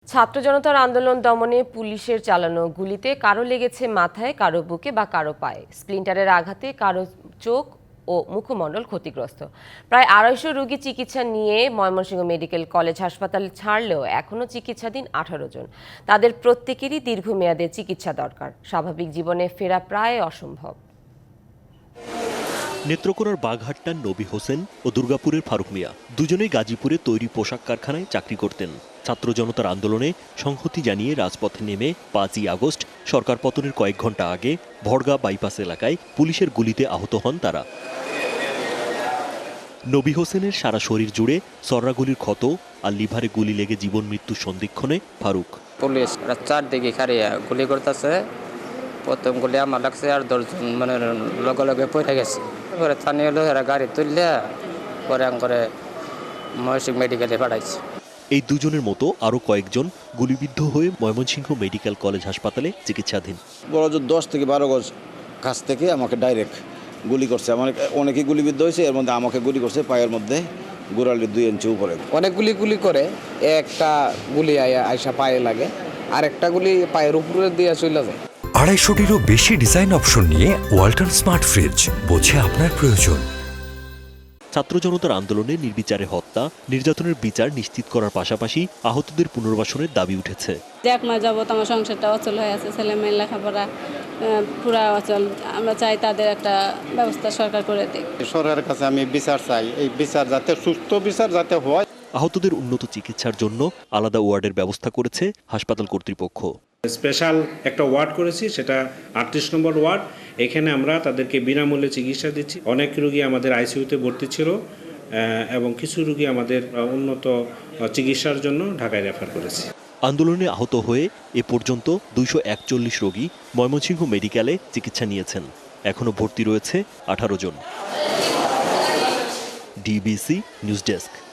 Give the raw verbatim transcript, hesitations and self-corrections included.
ছাত্র জনতার আন্দোলন দমনে পুলিশের চালানো গুলিতে কারো লেগেছে মাথায়, কারো বুকে বা কারো পায়ে। স্প্লিন্টারের আঘাতে কারো চোখ ও মুখমণ্ডল ক্ষতিগ্রস্ত। প্রায় আড়াইশো রোগী চিকিৎসা নিয়ে ময়মনসিংহ মেডিকেল কলেজ হাসপাতাল ছাড়লেও এখনও চিকিৎসাধীন আঠারো জন। তাদের প্রত্যেকেরই দীর্ঘমেয়াদে চিকিৎসা দরকার। স্বাভাবিক জীবনে ফেরা প্রায় অসম্ভব। নেত্রকোনার বাঘহাট্টার নবী হোসেন ও দুর্গাপুরের ফারুক মিয়া দুজনেই গাজীপুরে তৈরি পোশাক কারখানায় চাকরি করতেন। ছাত্র জনতার আন্দোলনে সংহতি জানিয়ে রাজপথে নেমে পাঁচই আগস্ট সরকার পতনের কয়েক ঘন্টা আগে ভড়গা বাইপাস এলাকায় পুলিশের গুলিতে আহত হন তারা। নবী হোসেনের সারা শরীর জুড়ে সররাগুলির ক্ষত আর লিভারে গুলি লেগে জীবন মৃত্যুর সন্ধিক্ষণে ফারুক। পুলিশ চারদিকে খারিয়া গুলি করতেছে। প্রথম গুলি আমার লাগছে আর দশজন মানে লগে লগে পড়ে গেছে। পরে স্থানীয় লোকেরা গাড়ি তুললে পরে করে ময়মনসিংহ মেডিকেলে পাঠাইছে। এই দুজনের মতো আরও কয়েকজন গুলিবিদ্ধ হয়ে ময়মনসিংহ মেডিকেল কলেজ হাসপাতালে চিকিৎসাধীন। বড় জোর দশ থেকে বারো গজ কাছ থেকে আমাকে ডাইরেক্ট গুলি করছে। আমার অনেকেই গুলিবিদ্ধ হয়েছে, এর মধ্যে আমাকে গুলি করছে পায়ের মধ্যে গোড়ালির দুই ইঞ্চি উপরে। অনেক গুলি গুলি করে একটা গুলি আইসা পায়ে লাগে, আর একটা গুলি পায়ের উপরে দিয়ে চলে যায়। আড়াইশোটিরও বেশি ডিজাইন অপশন নিয়ে ওয়ালটন স্মার্ট ফ্রিজ, বোঝে আপনার প্রয়োজন। ছাত্র জনতার আন্দোলনে নির্বিচারে হত্যা, নির্যাতনের বিচার নিশ্চিত করার পাশাপাশি আহতদের পুনর্বাসনের দাবি উঠেছে। এক মাস যাবত আমার সংসারটা অচল হয়ে আছে, ছেলে মেয়ের লেখাপড়া পুরা অচল। আমরা চাই তাদের একটা ব্যবস্থা সরকার করে দিক। সরকারের কাছে আমি বিচার চাই, এই বিচার যাতে সুস্থ বিচার যাতে হয়। আহতদের উন্নত চিকিৎসার জন্য আলাদা ওয়ার্ডের ব্যবস্থা করেছে হাসপাতাল কর্তৃপক্ষ। স্পেশাল একটা ওয়ার্ড করেছি, সেটা আটত্রিশ নম্বর ওয়ার্ড। এখানে আমরা তাদেরকে বিনামূল্যে চিকিৎসা দিচ্ছি। অনেক রোগী আমাদের আইসিইউতে ভর্তি ছিল এবং কিছু রোগী আমাদের উন্নত চিকিৎসার জন্য ঢাকায় রেফার করেছি। আন্দোলনে আহত হয়ে এ পর্যন্ত দুইশো একচল্লিশ রোগী ময়মনসিংহ মেডিকেলে চিকিৎসা নিয়েছেন। এখনও ভর্তি রয়েছে আঠারো জন। DBC news desk.